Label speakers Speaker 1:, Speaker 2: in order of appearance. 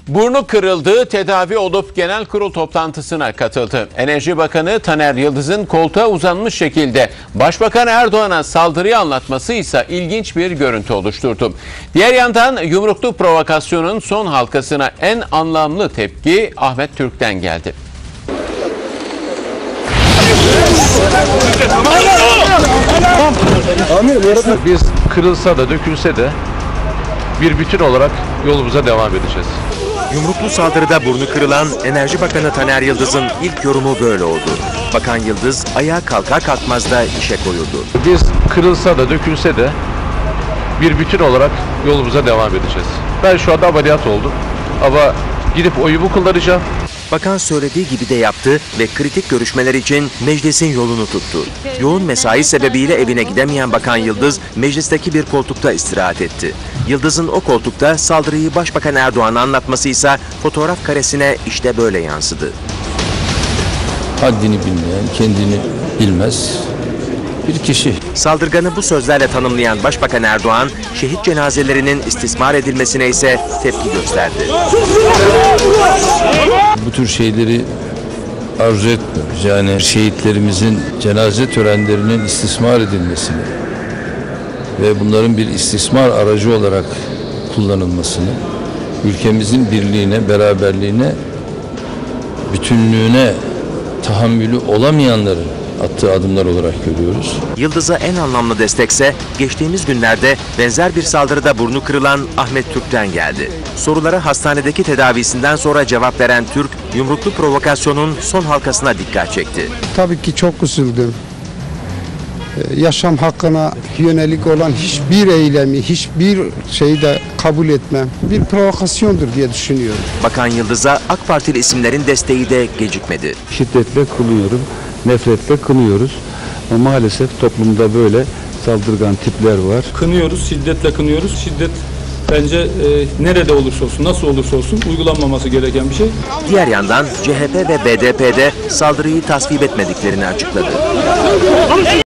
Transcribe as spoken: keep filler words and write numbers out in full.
Speaker 1: Burnu kırıldı, tedavi olup genel kurul toplantısına katıldı. Enerji Bakanı Taner Yıldız'ın koltuğa uzanmış şekilde Başbakan Erdoğan'a saldırıyı anlatması ise ilginç bir görüntü oluşturdu. Diğer yandan yumruklu provokasyonun son halkasına en anlamlı tepki Ahmet Türk'ten geldi.
Speaker 2: Biz kırılsa da dökülse de bir bütün olarak yolumuza devam edeceğiz.
Speaker 3: Yumruklu saldırıda burnu kırılan Enerji Bakanı Taner Yıldız'ın ilk yorumu böyle oldu. Bakan Yıldız ayağa kalkar kalkmaz da işe koyuldu.
Speaker 2: Biz kırılsa da dökülse de bir bütün olarak yolumuza devam edeceğiz. Ben şu anda ameliyat oldum ama gidip oyumu kullanacağım.
Speaker 3: Bakan söylediği gibi de yaptı ve kritik görüşmeler için meclisin yolunu tuttu. Yoğun mesai sebebiyle evine gidemeyen Bakan Yıldız meclisteki bir koltukta istirahat etti. Yıldız'ın o koltukta saldırıyı Başbakan Erdoğan'a anlatması ise fotoğraf karesine işte böyle yansıdı.
Speaker 4: Haddini bilmeyen, kendini bilmez bir kişi.
Speaker 3: Saldırganı bu sözlerle tanımlayan Başbakan Erdoğan, şehit cenazelerinin istismar edilmesine ise tepki gösterdi.
Speaker 4: Bu tür şeyleri arzu etmiyoruz. Yani şehitlerimizin cenaze törenlerinin istismar edilmesini ve bunların bir istismar aracı olarak kullanılmasını, ülkemizin birliğine, beraberliğine, bütünlüğüne tahammülü olamayanların attığı adımlar olarak görüyoruz.
Speaker 3: Yıldız'a en anlamlı destekse geçtiğimiz günlerde benzer bir saldırıda burnu kırılan Ahmet Türk'ten geldi. Sorulara hastanedeki tedavisinden sonra cevap veren Türk, yumruklu provokasyonun son halkasına dikkat çekti.
Speaker 5: Tabii ki çok üzüldüm. Yaşam hakkına yönelik olan hiçbir eylemi, hiçbir şeyi de kabul etmem. Bir provokasyondur diye düşünüyorum.
Speaker 3: Bakan Yıldız'a AK Partili isimlerin desteği de gecikmedi.
Speaker 6: Şiddetle kınıyorum, nefretle kınıyoruz. Ama maalesef toplumda böyle saldırgan tipler var.
Speaker 7: Kınıyoruz, şiddetle kınıyoruz. Şiddet bence e, nerede olursa olsun, nasıl olursa olsun uygulanmaması gereken bir şey.
Speaker 3: Diğer yandan C H P ve B D P'de saldırıyı tasvip etmediklerini açıkladı.